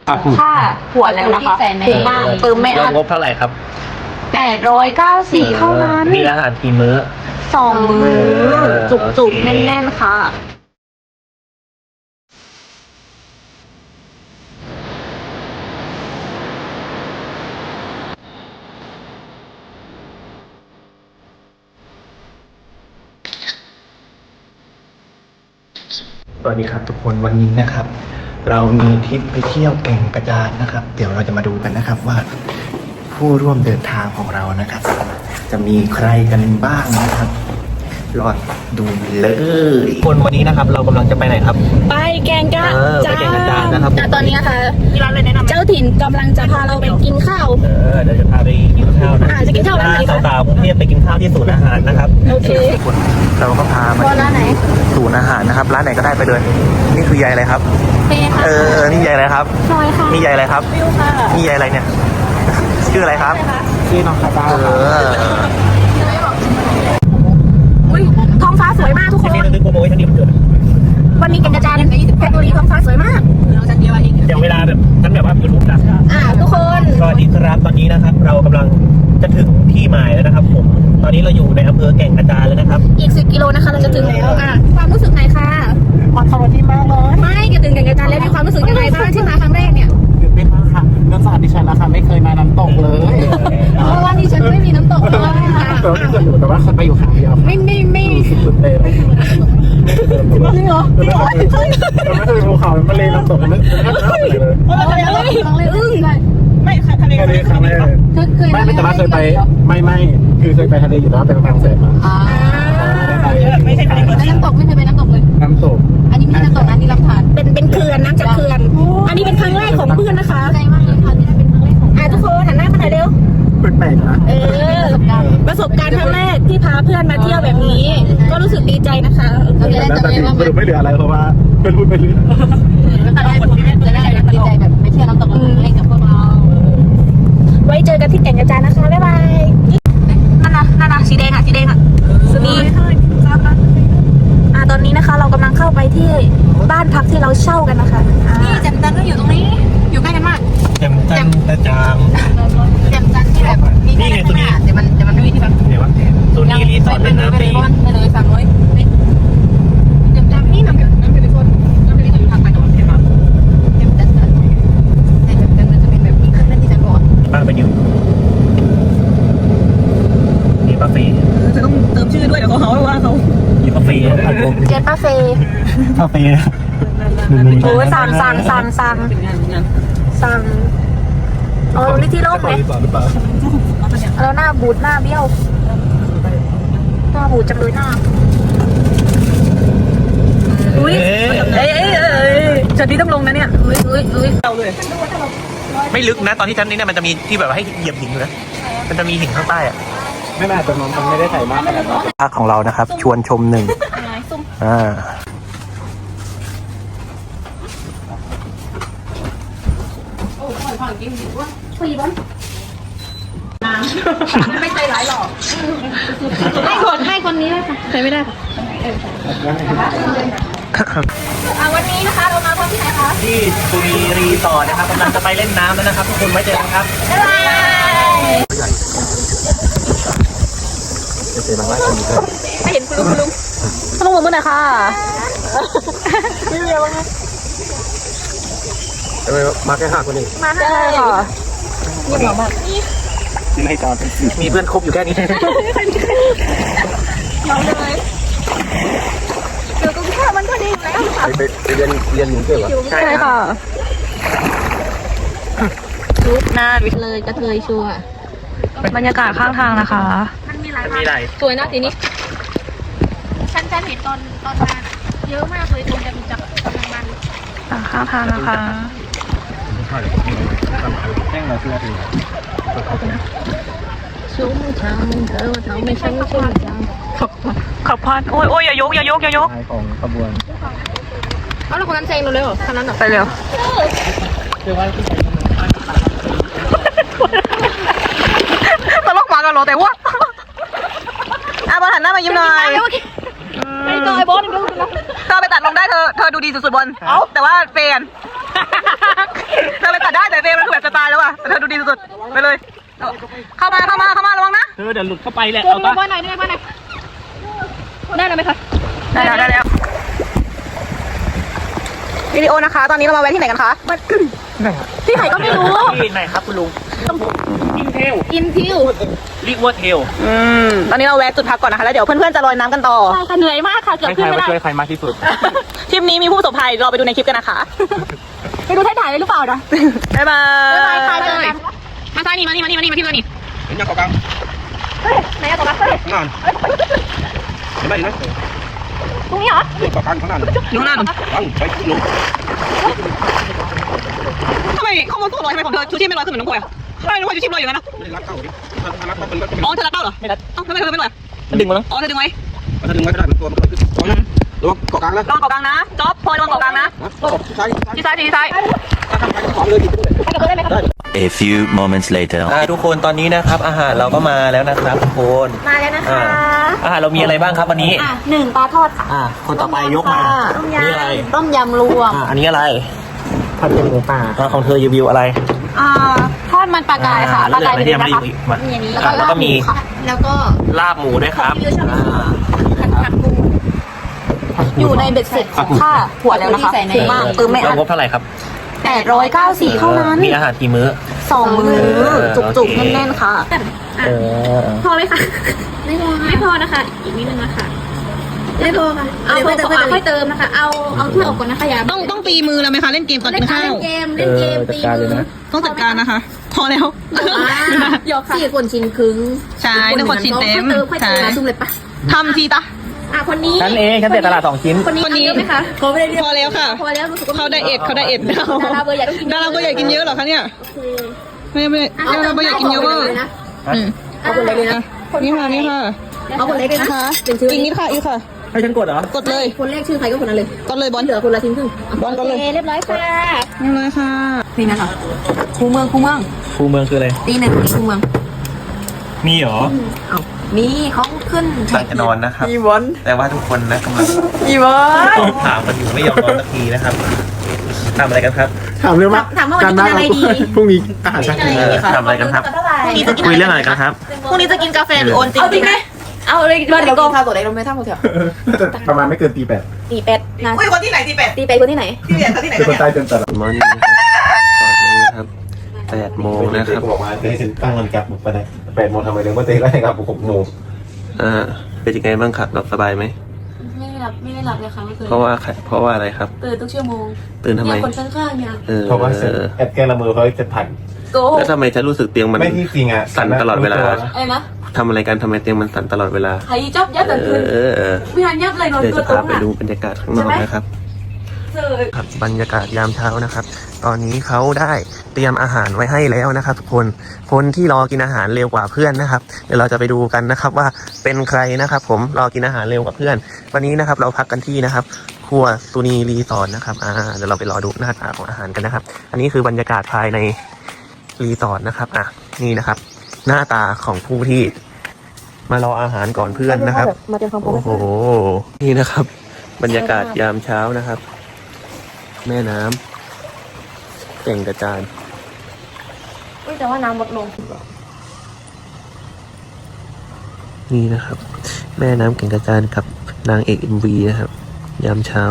ค่าหัวแล้วนะคะถูกมากเติมไม่อั้นงบเท่าไหร่ครับ 894เท่านั้นมีอาหารกี่มื้อ 2 มื้อจุกๆแน่นๆค่ะสวัสดีครับทุกคนวันนี้นะครับ เรามีทริปไปเที่ยวแก่งกระจานนะครับ เดี๋ยวเราจะมาดูกันนะครับว่า ผู้ร่วมเดินทางของเรานะครับ จะมีใครกันบ้างนะครับรอดูเลยคนวันนี้นะครับ เรากำลังจะไปไหนครับไปแกงกะไปแก่งกระจานนะครับแต่ตอนนี้นะคะเจ้าถิ่นกำลังจะพาเราไปกินข้าวเดี๋ยวจะพาไปกินข้าวนะจะกินข้าวร้านไหนคะสาวๆกรุงเทพไปกินข้าวที่ศูนย์อาหารนะครับโอเคเราก็พามาร้านไหนศูนย์อาหารนะครับ ร้านไหนก็ได้ไปเลยนี่คือยายอะไรครับเป้ค่ะนี่ยายอะไรครับซอยค่ะนี่ยายอะไรครับวิวค่ะนี่ยายอะไรเนี่ย ชื่ออะไรครับ ชื่อน้องคาตาอุ้ยท้องฟ้าสวยมากทุกคนนี่นึกโปรโมชั่นดีมันเกิดวันนี้แกงกระจานเพชรบุรีท้องฟ้าสวยมากเดี๋ยวเวลาแบบฉันแบบว่ายูทูบดังทุกคนสวัสดีครับตอนนี้นะครับ เรากำลังจะถึงที่หมายแล้วนะครับผม ตอนนี้เราอยู่ในอำเภอแก่งกระจานแล้วนะครับอีก10 กิโลนะคะเราจะถึงแล้วความรู้สึกไหนคะสวัสดีมากเลยไม่จะถึงแกงกระจานแล้วมีความรู้สึกยังไงบ้างที่มาครั้งแรกเนี่ยตื่นเต้นมากค่ะเนื่องจากดิฉันนะคะไม่เคยมาน้ำตกเลยเพราะว่าดิฉันไม่มีน้ำตกเลยค่ะแต่ว่าเคยอยู่แต่ว่าเคยไปอยู่ครั้งเดียวไม่ตื่นเต้นจริงเหรอไม่เคยภูเขาไม่เลยน้ำตกไม่เคยเลยอึ้งไม่ค่ะทะเลครั้งแรกไม่แต่ว่าเคยไปไม่คือเคยไปทะเลอยู่แล้วเป็นบางแสนมาไม่ใช่น้ำตกไม่เคยไปน้ำตกเลยน้ำตกอันนี้ไม่ใช่น้ำตกนะนี่ลำธารเป็นเขื่อนน้ำจากเขื่อนอันนี้เป็นครั้งแรกของเพื่อนนะคะใจมากเลยค่ะนี่เป็นครั้งแรกของทุกคนหันหน้ามาหน่อยเร็วแปลกนะประสบการณ์ครั้งแรกที่พาเพื่อนมาเที่ยวแบบนี้ ก็รู้สึกดีใจนะคะแต่สรุปไม่เหลืออะไรเพราะว่าเป็นพูดไปเรื่อยจะได้ดีใจแบบไปเที่ยวน้ำตกเล่นกับพวกเราไว้เจอกันที่แก่งกระจานนะคะบ๊ายบายนั่นนะสีแดงอ่ะสนีตอนนี้นะคะเรากำลังเข้าไปที่บ้านพักที่เราเช่ากันนะคะนี่แจ่มจันทร์ก็อยู่ตรงนี้อยู่ใกล้กันมากแจ่มจันทร์กระจางแจ่มจันทร์ที่แบบนี่ไงตัวนี้แต่มันไม่มีที่พักเดี๋ยววะตัวนี้รีสอร์ทเป็นน้ำฟรีไปเลยสั่งเลยแจ่มจันทร์นี่น้ำเป็นคนน้ำเป็นคนพักไปนอนใช่ไหมแจ่มจันทร์มันจะเป็นแบบนี้ขึ้นนั่นที่ฉันบอกบ้านไปอยู่มีป้าฟรีจะต้องเติมชื่อด้วยเดี๋ยวเขาว่าเขามีป้าฟรีครับผมเจนป้าเฟย์ป้าฟรีโอ้สั่งนี่ที่ร่มไหมแล้วหน้าบูดหน้าเบี้ยวหน้าบูดจังเลยหน้าอุ้ยจะที่ต้องลงนะเนี่ยอุ้ยไม่ลึกนะตอนที่ชั้นนี้เนี่ยมันจะมีที่แบบว่าให้เหยียบหินอยู่นะมันจะมีหินข้างใต้อะไม่น่าจะมันไม่ได้ใส่มากขนาดนั้นภาคของเรานะครับ ชวนชมหนึ่งไม่ใจร้ายหรอกให้คนนี้เลยค่ะใช้ไม่ได้ค่ะวันนี้นะคะเรามาพบที่ไหนคะที่สุรีรีสอร์ทนะครับกำลังจะไปเล่นน้ำแล้วนะครับทุกคนไว้เจอกันครับบ๊ายบายไม่เห็นคุณลุงต้องมือหน่อยค่ะไม่เร็วนะมาแค่5 คนเองมาได้ค่ะนี่หรอมากไม่จอดมีเพื่อนคบอยู่แค่นี้เราเลยเดี๋ยวก็แค่มันก็ดีแล้วค่ะไปเรียนหนูเก่งเหรอใช่ค่ะลุกหน้าเลยกระเทยชัวบรรยากาศข้างทางนะคะมันมีหลายสวยนะทีนี้ฉันเห็นตอนมาเยอะมากเลยตรงจะจับกำลังมันข้างทางนะคะชุ่มช่ำเธอทำให้ฉันชุ่มช่ำขับพานโอ้ยอย่ายกของขบวนเอาแล้วคนนั้นเซ็งเราเลยเหรอคนนั้นไปเร็วตลกมากันเหรอแต่ว่าบอลหันหน้ามายิ้มหน่อยไม่ต่อยบอลอีกแล้วเธอไปตัดลงได้เธอดูดีสุดๆบอลแต่ว่าเฟนเธอไปตัดได้แต่เฟรมมันคือแบบจะตายแล้วอ่ะแต่เธอดูดีสุดๆไปเลยเข้ามาระวังนะเดี๋ยวหลุดเข้าไปแหละเอาบ้านไหนได้บ้านไหนได้แล้วไหมคะได้แล้ววิดีโอนะคะตอนนี้เรามาแวะที่ไหนกันคะที่ไหนก็ไม่รู้ที่ไหนครับคุณลุงอินเทล เรียกว่าเทลตอนนี้เราแวะจุดพักก่อนนะคะแล้วเดี๋ยวเพื่อนๆจะลอยน้ำกันต่อใช่ค่ะเหนื่อยมากค่ะเกือบขึ้นไม่ได้ช่วยใครมากที่สุดทริปนี้มีผู้ประสบภัยรอไปดูในคลิปกันนะคะไปดูถ่ายได้หรือเปล่านะบ๊ายบายค่ะเลยมาซ้ายนี่มาที่ตัวนี่เห็นยังเกาะกลางไหนอะตัวรักเฮ้ยข้างหน้าเห็นไหมเห็นไหมตรงนี้เหรอเกาะกลางข้างหน้าอยู่ข้างหน้าตั้งไปลงทำไมข้อมูลตัวลอยทำไมของเธอชูชีพไม่ลอยขึ้นเหมือนน้องพลอยอะทำไมน้องพลอยชูชีพลอยอยู่งั้นนะไม่ได้รักเข้าดิถ้ารักเข้าเป็นรถอ๋อเธอรักเต้าเหรอไม่รักเอ้าทำไมเธอไม่ลอยมันดึงมาแล้วอ๋อเธอดึงไว้ถ้าดึงไว้ก็ได้มันตัวมันขึ้นระวังเกาะกลางนะลองเกาะกลางนะจ๊อบพลอยลองเกาะกลางนะใช่ที่ซ้ายที่ซ้ายถ้าทำไปก็ขอเลยดิไปกับเธอได้ไหมครับ A few moments later. ทุกคนตอนนี้นะครับอาหารเราก็มาแล้วนะครับทุกคนมาแล้วนะคะอาหารเรามีอะไรบ้างครับวันนี้ 1ปลาทอดค่ะคนต่อไปยกมานี่อะไรต้มยำรวมอันนี้อะไรผัดเป็นหมูป่าของเธอรีวิวอะไรทอดมันปลากายค่ะปลากายที่ยังไม่ได้รีวิวมาอย่างนี้แล้วก็มีแล้วก็ลาบหมูด้วยครับผัดปูอยู่ในเบ็ดเสร็จค่าหัวแล้วนะคะถูกมากไม่เราอั้นงบเท่าไหร่ครับ 894เท่านั้นมีอาหารกี่มื้อ 2 มื้อจุกๆแน่นๆค่ะ พอไหมคะไม่พอนะคะ อีกนิดนึงนะคะไม่พอค่ะเอาค่อยเติมนะคะ เอาถ้วยออกก่อนนะคะอย่าต้องตีมือแล้วไหมคะเล่นเกมก่อนกินข้าวเล่นเกมตีมือต้องจัดการนะคะ พอแล้วหยอกค่ะ 4 คนชิ้นครึ่งใช่ทุกคนชินเต็มใช่ซุ่มเลยปะทำทีตะคนนี้ฉันเองฉันเสียตลาด2 ชิ้นคนนี้เยอะไหมคะเขาไม่ได้เรียกพอแล้วค่ะพอแล้วรู้สึกว่าเขาไดเอทดาราเบอร์ใหญ่กินดาราเบอร์ใหญ่กินเยอะเหรอคะเนี่ยไม่ดาราเบอร์ใหญ่กินเยอะเวอร์เอาคนเล็กเลยนะนี่ค่ะนี่ค่ะเอาคนเล็กเลยนะนะคะเป็นชื่ออีกนิดค่ะอีกค่ะให้ฉันกดเหรอกดเลยคนแรกชื่อใครก็คนนั้นเลยกดเลยบอลเหลือคนละชิ้นครึ่งบอลกดเลยเรียบร้อยค่ะนี่เลยค่ะนี่นะคะคูเมืองคูเมืองคืออะไรตี 1คูเมืองมีเหรอมีเขาขึ้นตั้งจะนอนนะครับแต่ว่าทุกคนนะกำลังถามกันอยู่ไม่ยอมนอนสักทีนะครับทำอะไรกันครับถามเรื่องว่าถามว่าวันนี้กินอะไรดีพรุ่งนี้อาหารเช้ากินอะไรทำอะไรกันครับ คุยเรื่องอะไรกันครับพรุ่งนี้จะกินกาแฟหรือโอนจริงเอาจริงไหมเอาเลยเดี๋ยวกินข้าวตัวไหนเราไม่ทำคนเถอะประมาณไม่เกินตี 8 ตีเป็ดนะอุ้ยคนที่ไหนที่เป็ดตีเป็ดคนที่ไหนที่เป็ดที่ไหนเป็นคนใต้เต็มตลาดมอร์นิ่งนะครับ8 โมงนะครับบอกว่าจะให้ฉันตั้งนาฬิกาปลุกไปไหน8 โมงทำไมเลยว่าจะให้นาฬิกาปลุก6 โมงเป็นยังไงบ้างครับหลับสบายไหมไม่ได้หลับเลยค่ะไม่เคยเพราะว่าอะไรครับตื่นทุกชั่วโมงตื่นทำไมเนี่ยคนข้างๆเนี่ยเพราะว่าแอบแกล้งละเมอเพราะจะผ่านโกแล้วทำไมฉันรู้สึกเตียงมันไม่ที่จริงอ่ะสั่นตลอดเวลาไอ้นะทำอะไรกันทำไมเตียงมันสั่นตลอดเวลาไอ้จับยัดตื่นขึ้นวิหารยับเลยนอนเดี๋ยวตัวจะตรพาง ไปอ่ะดูบรรยากาศข้างนอกนะครับเจอครับบรรยากาศยามเช้านะครับ ตอนนี้เขาได้เตรียมอาหารไว้ให้แล้วนะครับทุกคนที่รอกินอาหารเร็วกว่าเพื่อนนะครับเดี๋ยวเราจะไปดูกันนะครับว่าเป็นใครนะครับ ผมรอกินอาหารเร็วกว่าเพื่อน วันนี้นะครับเราพักกันที่นะครับครัวซูนีรีสอร์ทนะครับเดี๋ยวเราไปรอดูหน้าตาของอาหารกันนะครับ อันนี้คือบรรยากาศภายในรีสอร์ทนะครับนี่นะครับ หน้าตาของผู้ที่มารออาหารก่อนเพื่อนนะครับมาเจอความพร้อมโอ้โห นี่นะครับ บรรยากาศยามเช้านะครับ แม่น้ำแก่งกระจานแต่ว่าน้ำลดลงนี่นะครับ แม่น้ำแก่งกระจานกับนางเอก MV นะครับ ยามเช้า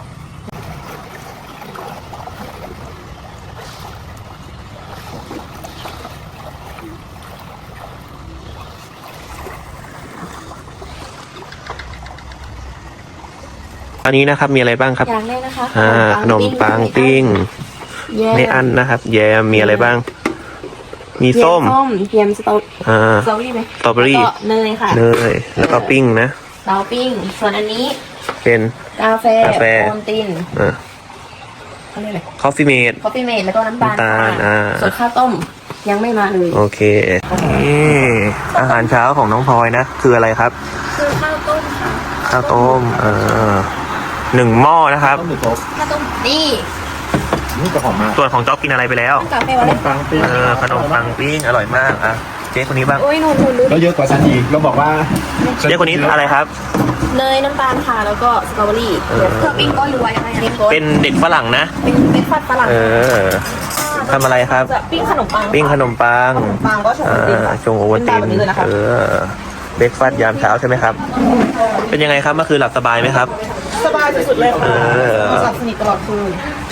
อันนี้นะครับมีอะไรบ้างครับอย่างแรกนะคะขนมปังปิ้งไม่อั้นนะครับ แยมมีอะไรบ้าง มีส้มเทียมสตรอเบอรี่ไหมสตรอเบอรี่เนยค่ะเนยแล้วก็ปิ้งนะเตาปิ้ง ส่วนอันนี้เป็นกาแฟ โอนตินอ่าเขาเรียกอะไรคอฟฟี่เมดคอฟฟี่เมดแล้วก็น้ำตาลน้ำตาลค่ะส่วนข้าวต้มยังไม่มาเลยโอเคนี่อาหารเช้าของน้องพลอยนะ คืออะไรครับคือข้าวต้มค่ะข้าวต้ม1 หม้อนะครับข้าวต้มนี่นี่ก็หอมมากส่วนของจ๊อบกินอะไรไปแล้วกาแฟวะเนี่ยปังปิ้งขนมปังปิ้งอร่อยมากอ่ะเจ๊คนนี้บ้างโอ้ยหนูดูแล้วเยอะกว่าฉันอีกเราบอกว่าเจ๊คนนี้อะไรครับเนยน้ำตาลค่ะแล้วก็สตรอเบอรี่เครื่องปิ้งก็รวยอะไรเล็กเป็นเด็กฝรั่งนะเป็นฟัดฝรั่งเออทำอะไรครับจะปิ้งขนมปังปิ้งขนมปังปังก็ชงโอวัลตินค่ะชงโอวัลตินเป็นแบบนี้เลยนะคะเบรกฟาสต์ยามเช้าใช่ไหมครับ เป็นยังไงครับเมื่อคืนหลับสบายไหมครับสบายสุดๆเลยค่ะเออหลับสนิทตลอดคืน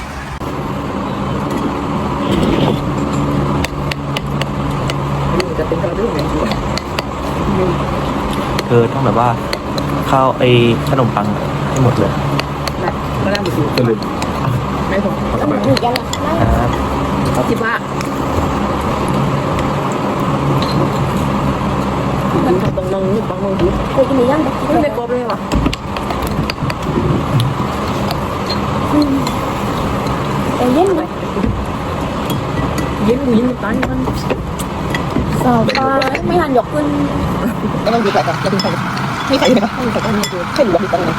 ต้องแบบว่าข้าวขนมปังให้หมดเลยก็เลยครับคิดว่ามันตรงนึงบางมือถือโอ้ยมีย่างไม่ได้กรอบเลยวะเย็นไหมเย็นตอนมันสอบไปไม่หันยกขึ้นก็ต้องดูใส่กันจะดูใส่ไม่ใส่เลยปะไม่ใส่ก็ไม่ดูแค่ดูว่ามีตรงไหน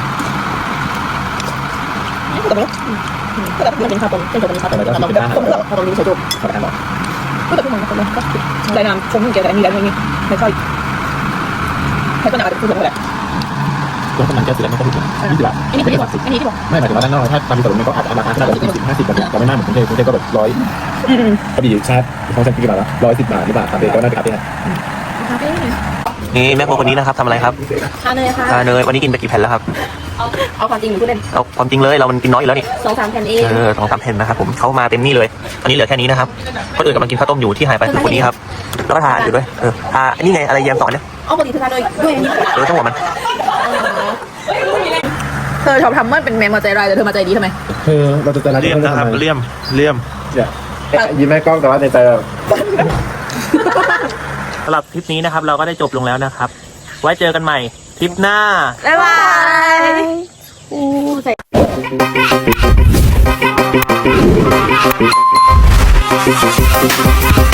ก็ไม่ก็แบบมันเป็นข้าวต้มเป็นตัวเป็นข้าวต้มแล้วก็ต้มข้าวต้มนี้ใส่จุ๊บขอทานบอกก็แต่พวกมันก็เลยก็ได้น้ำชงเกี่ยวกับมีอะไรอย่างนี้ไม่ค่อยให้ต้นอาจจะพูดแบบนั้นแหละแล้วมันแก้เสือไม่ก็ถูก20 บาทอันนี้ที่บอกอันนี้ที่บอกไม่หมายถึงว่าด้านนอกถ้าตามมีส่วนมันก็อาจจะราคาขนาด40-50 บาทแต่ไม่มากเหมือนกรุงเทพก็แบบ100พอดีชาติของฉันกี่บาทละ110 บาทหรือเปล่าครับเด็กก็น่าจะอัพได้นี่แม่โคคนนี้นะครับทำอะไรครับทานเลยค่ะทานเนยวันนี้กินไปกี่แผ่นแล้วครับเอาความจริงหนูพูดเล่นเอาความจริงเลยเรามันกินน้อยอยู่แล้วนี่ 2-3 แผ่นเอง 2-3 แผ่นนะครับผมเขามาเต็มนี่เลยอันนี้เหลือแค่นี้นะครับคนอื่นกำลังกินข้าวต้มอยู่ที่หายไปคือคนนี้ครับแล้วก็ทานอยู่ด้วยทาอันนี้ไงอะไรแยมสอนเนี่ยเอาปกติเธอทานด้วยอันนี้ต้องบอกมันเธอชอบทำมันเป็นแมวมาใจร้ายแต่เธอมาใจดีทำไมคือเราจะรักเลี่ยมนะครับเลี่ยมเนี่ยยิ้มแม่กล้องแต่ว่าในใจสำหรับคลิปนี้นะครับเราก็ได้จบลงแล้วนะครับ ไว้เจอกันใหม่คลิปหน้าบ๊ายบายใส่